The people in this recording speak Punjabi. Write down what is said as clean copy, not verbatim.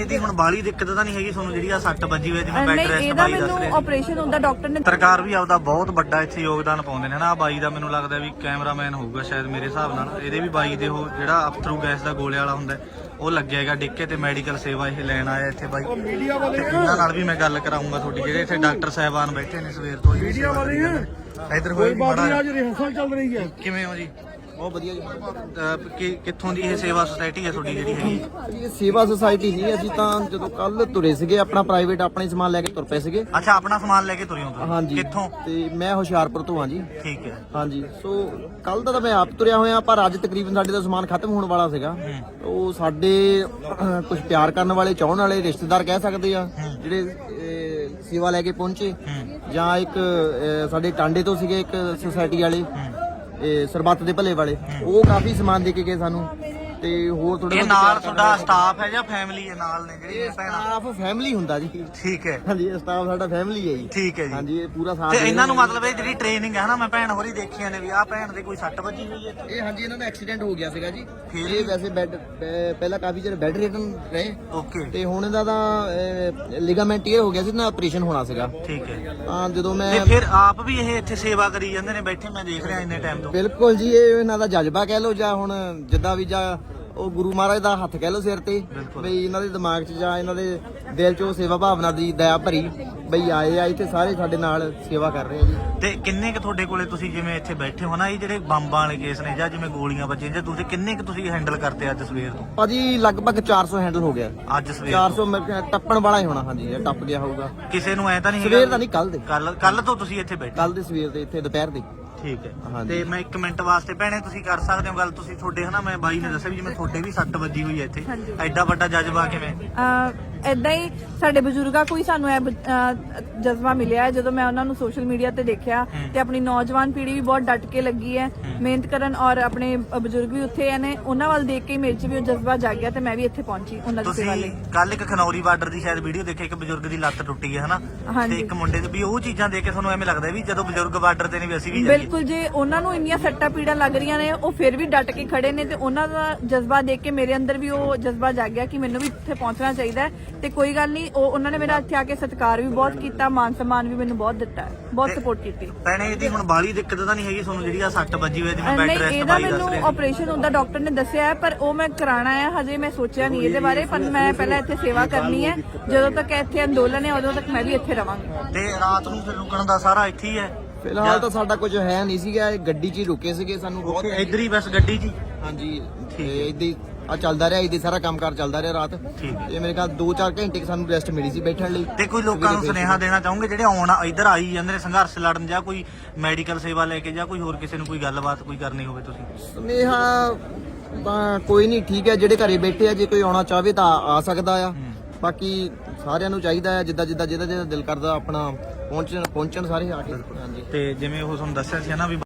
ਇਹਦੀ ਹੁਣ ਬਾਹਲੀ ਦਿੱਕਤ ਤਾਂ ਨਹੀਂ ਹੈਗੀ ਤੁਹਾਨੂੰ ਜਿਹੜੀ ਆ ਸੱਟ ਵੱਜੀ ਹੋਈ ਜਿਵੇਂ ਬੈੱਡ ਰੈਸਟ ਬਾਈ ਦੱਸ ਰਹੇ ਆਪਰੇਸ਼ਨ ਹੁੰਦਾ ਡਾਕਟਰ ਨੇ। ਸਰਕਾਰ ਵੀ ਆਪਦਾ ਬਹੁਤ ਵੱਡਾ ਇੱਥੇ ਯੋਗਦਾਨ ਪਾਉਂਦੇ ਨੇ ਨਾ। ਬਾਈ ਦਾ ਮੈਨੂੰ ਲੱਗਦਾ ਵੀ ਕੈਮਰਾਮੈਨ ਹੋਊਗਾ ਸ਼ਾਇਦ ਮੇਰੇ ਹਿਸਾਬ ਨਾਲ। ਇਹਦੇ ਵੀ ਬਾਈ ਦੇ ਉਹ ਜਿਹੜਾ ਅਫਥਰੂ ਗੈਸ ਦਾ ਗੋਲੇ ਵਾਲਾ ਹੁੰਦਾ ਉਹ ਲੱਗਿਆ ਹੈਗਾ ਡਿੱਕੇ ਤੇ ਮੈਡੀਕਲ ਸੇਵਾ ਇਹ ਲੈਣ ਆਇਆ ਇੱਥੇ ਬਾਈ। ਇਹਨਾਂ ਨਾਲ ਵੀ ਮੈਂ ਗੱਲ ਕਰਾਉਂਗਾ ਤੁਹਾਡੀ, ਜਿਹੜੇ ਇੱਥੇ ਡਾਕਟਰ ਸਾਹਿਬਾਨ ਬੈਠੇ ਨੇ ਸਵੇਰ ਤੋਂ। ਮੀਡੀਆ ਵਾਲੇ ਇੱਧਰ ਹੋਈ ਮਾੜਾ ਰਿਹਰਸਲ ਚੱਲ ਰਹੀ ਹੈ। ਕਿਵੇਂ ਹੋ ਜੀ? ਬਹੁਤ ਵਧੀਆ ਜੀ। ਕਿੱਥੋਂ ਦੀ ਇਹ ਸੇਵਾ ਸੁਸਾਇਟੀ ਹੈ ਤੁਹਾਡੀ ਜਿਹੜੀ ਹੈਗੀ? ਇਹ ਸੇਵਾ ਸੁਸਾਇਟੀ ਨਹੀਂ, ਅਸੀਂ ਤਾਂ ਜਦੋਂ ਕੱਲ ਤੁਰੇ ਸੀਗੇ ਆਪਣਾ ਪ੍ਰਾਈਵੇਟ ਆਪਣੇ ਸਮਾਨ ਲੈ ਕੇ ਤੁਰ ਪਏ ਸੀਗੇ। ਅੱਛਾ, ਆਪਣਾ ਸਮਾਨ ਲੈ ਕੇ ਤੁਰੇ ਹੋ ਤੁਸੀਂ? ਹਾਂਜੀ। ਕਿੱਥੋਂ? ਤੇ ਮੈਂ ਹੁਸ਼ਿਆਰਪੁਰ ਤੋਂ ਹਾਂ ਜੀ। ਠੀਕ ਹੈ। ਹਾਂਜੀ, ਸੋ ਕੱਲ ਤਾਂ ਮੈਂ ਆਪ ਤੁਰਿਆ ਹੋਇਆ, ਪਰ ਅੱਜ ਤਕਰੀਬਨ ਸਾਡੇ ਦਾ ਸਮਾਨ ਖਤਮ ਹੋਣ ਵਾਲਾ ਸੀਗਾ। ਉਹ ਸਾਡੇ ਕੁਝ ਪਿਆਰ ਕਰਨ ਵਾਲੇ ਚਾਹਣ ਵਾਲੇ ਰਿਸ਼ਤੇਦਾਰ ਕਹਿ ਸਕਦੇ ਆ ਜਿਹੜੇ ਸੇਵਾ ਲੈ ਕੇ ਪਹੁੰਚੇ, ਜਾਂ ਇੱਕ ਸਾਡੇ ਟਾਂਡੇ ਤੋਂ ਸੀਗੇ ਇੱਕ ਸੁਸਾਇਟੀ ਵਾਲੇ ਸਰਬੱਤ ਦੇ ਭਲੇ ਵਾਲੇ, ਉਹ ਕਾਫੀ ਸਮਾਨ ਦੇ ਕੇ ਗਏ ਸਾਨੂੰ। ਤੇ ਹੋਰ ਥੋੜਾ ਨਾਲ ਤੁਹਾਡਾ ਸਟਾਫ ਹੈ ਜਾਂ ਫੈਮਿਲੀ ਹੈ ਨਾਲ ਨੇ ਜਿਹੜੀ ਭੈਣਾਂ? ਸਟਾਫ ਫੈਮਿਲੀ ਹੁੰਦਾ ਜੀ। ਠੀਕ ਹੈ। ਹਾਂਜੀ, ਸਟਾਫ ਸਾਡਾ ਫੈਮਿਲੀ ਹੈ ਜੀ। ਠੀਕ ਹੈ ਜੀ। ਹਾਂਜੀ, ਇਹ ਪੂਰਾ ਸਾਥ। ਤੇ ਇਹਨਾਂ ਨੂੰ ਮਤਲਬ ਇਹ ਜਿਹੜੀ ਟ੍ਰੇਨਿੰਗ ਹੈ ਨਾ, ਮੈਂ ਭੈਣ ਹੋਰੀ ਦੇਖੀਆਂ ਨੇ ਵੀ ਆਹ ਭੈਣ ਦੇ ਕੋਈ ਸੱਟ ਵੱਜੀ ਹੋਈ ਹੈ? ਇਹ ਹਾਂਜੀ, ਇਹਨਾਂ ਦਾ ਐਕਸੀਡੈਂਟ ਹੋ ਗਿਆ ਸੀਗਾ ਜੀ। ਫਿਰ ਇਹ ਵੈਸੇ ਬੈੱਡ ਪਹਿਲਾਂ ਕਾਫੀ ਚਿਰ ਬੈੱਡ ਰਿਟਨ ਰਹੇ। ਓਕੇ। ਤੇ ਹੁਣ ਇਹਦਾ ਤਾਂ ਲਿਗਾਮੈਂਟ ਇਹ ਹੋ ਗਿਆ ਸੀ ਨਾ, ਆਪਰੇਸ਼ਨ ਹੋਣਾ ਸੀਗਾ। ਠੀਕ ਹੈ। ਹਾਂ, ਜਦੋਂ ਮੈਂ ਤੇ ਫਿਰ ਆਪ ਵੀ ਇਹ ਇੱਥੇ ਸੇਵਾ ਕਰੀ ਜਾਂਦੇ ਨੇ ਬੈਠੇ, ਮੈਂ ਦੇਖ ਰਿਹਾ ਇੰਨੇ ਟਾਈਮ ਤੋਂ। ਬਿਲਕੁਲ ਜੀ, ਇਹ ਇਹਨਾਂ ਦਾ ਜਜ਼ਬਾ ਕਹਿ ਲਓ, ਜਾਂ ਹੁਣ ਜਿੱਦਾਂ ਵੀ, ਜਾਂ ਉਹ ਗੁਰੂ ਮਹਾਰਾਜ ਦਾ ਹੱਥ ਕਹਿ ਲਓ ਸਿਰ ਤੇ, ਬਈ ਇਹਨਾਂ ਦੇ ਦਿਮਾਗ 'ਚ ਜਾਂ ਇਹਨਾਂ ਦੇ ਦਿਲ 'ਚ ਉਹ ਸੇਵਾ ਭਾਵਨਾ ਦੀ ਦਇਆ ਭਰੀ, ਬਈ ਆਏ ਆ ਇੱਥੇ ਸਾਰੇ ਸਾਡੇ ਨਾਲ ਸੇਵਾ ਕਰ ਰਹੇ ਆ ਜੀ। ਤੇ ਕਿੰਨੇ ਕੁ ਤੁਹਾਡੇ ਕੋਲੇ ਤੁਸੀਂ ਜਿਵੇਂ ਇੱਥੇ ਬੈਠੇ ਹੋ ਨਾ, ਇਹ ਜਿਹੜੇ ਬੰਬਾਂ ਵਾਲੇ ਕੇਸ ਨੇ ਜਾਂ ਜਿਵੇਂ ਗੋਲੀਆਂ ਵੱਜੀਆਂ, ਜਾਂ ਤੁਸੀਂ ਕਿੰਨੇ ਕੁ ਤੁਸੀਂ ਹੈਂਡਲ ਕਰਤੇ ਅੱਜ ਸਵੇਰ ਤੋਂ? ਭਾਜੀ ਲਗਭਗ 400 ਹੈਂਡਲ ਹੋ ਗਿਆ ਅੱਜ ਸਵੇਰ 400 ਟੱਪਣ ਵਾਲਾ ਹੀ ਹੋਣਾ। ਹਾਂਜੀ, ਇਹ ਟੱਪ ਗਿਆ ਹੋਊਗਾ। ਕਿਸੇ ਨੂੰ ਐ ਤਾਂ ਨਹੀਂ ਸਵੇਰ ਦਾ ਨਹੀਂ, ਕੱਲ ਦੇ। ਕੱਲ ਤੋਂ ਤੁਸੀਂ ਇੱਥੇ ਬੈਠੇ? ਕੱਲ ਦੇ ਸਵੇਰ ਦੇ, ਇੱਥੇ ਦੁਪਹਿਰ ਦੇ। ਠੀਕ ਹੈ। ਤੇ ਮੈਂ 1 ਮਿੰਟ ਵਾਸਤੇ ਭੈਣੇ ਤੁਸੀਂ ਕਰ ਸਕਦੇ ਹੋ ਗੱਲ? ਤੁਸੀਂ ਤੁਹਾਡੇ ਹਨਾ, ਮੈਂ ਬਾਈ ਨੇ ਦੱਸਿਆ ਵੀ ਜਿਵੇਂ ਤੁਹਾਡੇ ਵੀ ਸੱਟ ਵੱਜੀ ਹੋਈ ਹੈ ਇੱਥੇ, ਐਡਾ ਵੱਡਾ ਜਜ਼ਬਾ ਕਿਵੇਂ? ਏਦਾਂ ਹੀ ਸਾਡੇ ਬਜ਼ੁਰਗਾਂ ਕੋਈ ਸਾਨੂੰ ਇਹ ਜਜ਼ਬਾ ਮਿਲਿਆ ਹੈ। ਜਦੋਂ ਮੈਂ ਉਹਨਾਂ ਨੂੰ ਸੋਸ਼ਲ ਮੀਡੀਆ ਤੇ ਦੇਖਿਆ ਤੇ ਆਪਣੀ ਨੌਜਵਾਨ ਪੀੜ੍ਹੀ ਵੀ ਬਹੁਤ ਡਟ ਕੇ ਲੱਗੀ ਹੈ ਮਿਹਨਤ ਕਰਨ, ਔਰ ਆਪਣੇ ਬਜ਼ੁਰਗ ਵੀ ਉੱਥੇ ਨੇ, ਉਹਨਾਂ ਵੱਲ ਦੇਖ ਕੇ ਮੇਰੇ 'ਚ ਵੀ ਉਹ ਜਜ਼ਬਾ ਜਾਗ ਗਿਆ ਤੇ ਮੈਂ ਵੀ ਇੱਥੇ ਪਹੁੰਚੀ ਉਹਨਾਂ ਦੀ ਸੇਵਾ ਲਈ। ਕੱਲ ਇੱਕ ਖਨੌਰੀ ਬਾਰਡਰ ਦੀ ਸ਼ਾਇਦ ਵੀਡੀਓ ਦੇਖੀ, ਇੱਕ ਬਜ਼ੁਰਗ ਦੀ ਲੱਤ ਟੁੱਟੀ ਹੈ ਹਨਾ, ਤੇ ਇੱਕ ਮੁੰਡੇ ਦੀ ਵੀ, ਉਹ ਚੀਜ਼ਾਂ ਦੇਖ ਕੇ ਤੁਹਾਨੂੰ ਐਵੇਂ ਲੱਗਦਾ ਵੀ ਜਦੋਂ ਬਜ਼ੁਰਗ ਬਾਰਡਰ ਤੇ ਨੇ ਵੀ ਅਸੀਂ ਵੀ ਜਾਈਏ? ਬਿਲਕੁਲ, ਜੇ ਉਹਨਾਂ ਨੂੰ ਇੰਨੀਆਂ ਸੱਟਾਂ ਪੀੜਾਂ ਲੱਗ ਰਹੀਆਂ ਨੇ, ਉਹ ਫਿਰ ਵੀ ਡਟ ਕੇ ਖੜੇ ਨੇ, ਤੇ ਉਹਨਾਂ ਦਾ ਜਜ਼ਬਾ ਦੇਖ ਕੇ ਮੇਰੇ ਅੰਦਰ ਵੀ ਉਹ ਜਜ਼ਬਾ ਜਾਗ ਗਿਆ ਕਿ ਮੈਨੂੰ ਵੀ ਇੱਥੇ ਪਹੁੰਚਣਾ ਚਾਹੀਦਾ ਹੈ। ਤੇ ਕੋਈ ਗੱਲ ਨਹੀਂ, ਉਹਨਾਂ ਨੇ ਮੇਰਾ ਇੱਥੇ ਆ ਕੇ ਸਤਿਕਾਰ ਵੀ ਬਹੁਤ ਕੀਤਾ, ਮਾਨ ਸਨਮਾਨ ਵੀ ਮੈਨੂੰ ਬਹੁਤ ਦਿੱਤਾ ਹੈ, ਬਹੁਤ ਸਪੋਰਟ ਕੀਤੀ। ਭੈਣੇ ਇਹਦੀ ਹੁਣ ਬਾਹਲੀ ਦਿੱਕਤ ਤਾਂ ਨਹੀਂ ਹੈਗੀ ਤੁਹਾਨੂੰ ਜਿਹੜੀ ਆ ਸੱਟ ਵੱਜੀ ਹੋਈ ਜਿਵੇਂ ਬੈੱਡ ਰੈਸਟ ਇਹਦਾ ਮੈਨੂੰ ਆਪਰੇਸ਼ਨ ਹੁੰਦਾ ਡਾਕਟਰ ਨੇ ਦੱਸਿਆ ਹੈ, ਪਰ ਉਹ ਮੈਂ ਕਰਾਣਾ ਹੈ। ਹਜੇ ਮੈਂ ਸੋਚਿਆ ਨਹੀਂ ਇਹਦੇ ਬਾਰੇ, ਪਰ ਮੈਂ ਪਹਿਲਾਂ ਇੱਥੇ ਸੇਵਾ ਕਰਨੀ ਹੈ। ਜਦੋਂ ਤੱਕ ਇੱਥੇ ਅੰਦੋਲਨ ਹੈ ਉਦੋਂ ਤੱਕ ਮੈਂ ਵੀ ਇੱਥੇ ਰਵਾਂਗੀ। ਤੇ ਰਾਤ ਨੂੰ ਫਿਰ ਰੁਕਣ ਦਾ ਸਾਰਾ ਇੱਥੇ ਹੀ ਹੈ? ਫਿਲਹਾਲ ਤਾਂ ਸਾਡਾ ਕੁਝ ਹੈ ਨਹੀਂ ਸੀਗਾ, ਗੱਡੀ 'ਚ ਹੀ ਰੁਕੇ ਸੀਗੇ। ਸਾਨੂੰ ਬਹੁਤ ਇੱਧਰ ਹੀ ਬਸ ਗੱਡੀ 'ਚ? ਹਾਂਜੀ, ਇੱਦਾਂ ਹੀ ਆ ਚੱਲਦਾ ਰਿਹਾ, ਇੱਦਾਂ ਸਾਰਾ ਕੰਮਕਾਰ ਚੱਲਦਾ ਰਿਹਾ ਰਾਤ। ਤੇ ਮੇਰੇ ਖਿਆਲ 2-4 ਘੰਟੇ ਸਾਨੂੰ ਰੈਸਟ ਮਿਲੀ ਸੀ ਬੈਠਣ ਲਈ। ਤੇ ਕੋਈ ਲੋਕਾਂ ਨੂੰ ਸੁਨੇਹਾ ਦੇਣਾ ਚਾਹੋਗੇ ਜਿਹੜੇ ਆਉਣ ਇੱਧਰ ਆਈ ਜਾਂਦੇ ਨੇ ਸੰਘਰਸ਼ ਲੜਨ, ਜਾਂ ਕੋਈ ਮੈਡੀਕਲ ਸੇਵਾ ਲੈ ਕੇ, ਜਾਂ ਕੋਈ ਹੋਰ ਕਿਸੇ ਨੂੰ ਕੋਈ ਗੱਲਬਾਤ ਕੋਈ ਕਰਨੀ ਹੋਵੇ ਤੁਸੀਂ? ਸੁਨੇਹਾ ਤਾਂ ਕੋਈ ਨਹੀਂ, ਠੀਕ ਹੈ, ਜਿਹੜੇ ਘਰੇ ਬੈਠੇ ਆ, ਜੇ ਕੋਈ ਆਉਣਾ ਚਾਹਵੇ ਤਾਂ ਆ ਸਕਦਾ ਆ। ਬਾਕੀ ਸਾਰਿਆਂ ਨੂੰ ਚਾਹੀਦਾ ਹੈ ਜਿਹਦਾ ਦਿਲ ਕਰਦਾ ਆਪਣਾ ਪਹੁੰਚਣ ਸਾਰੇ ਆ ਕੇ। ਹਾਂਜੀ। ਤੇ ਜਿਵੇਂ ਉਹ ਤੁਹਾਨੂੰ ਦੱਸਿਆ ਸੀ ਨਾ ਵੀ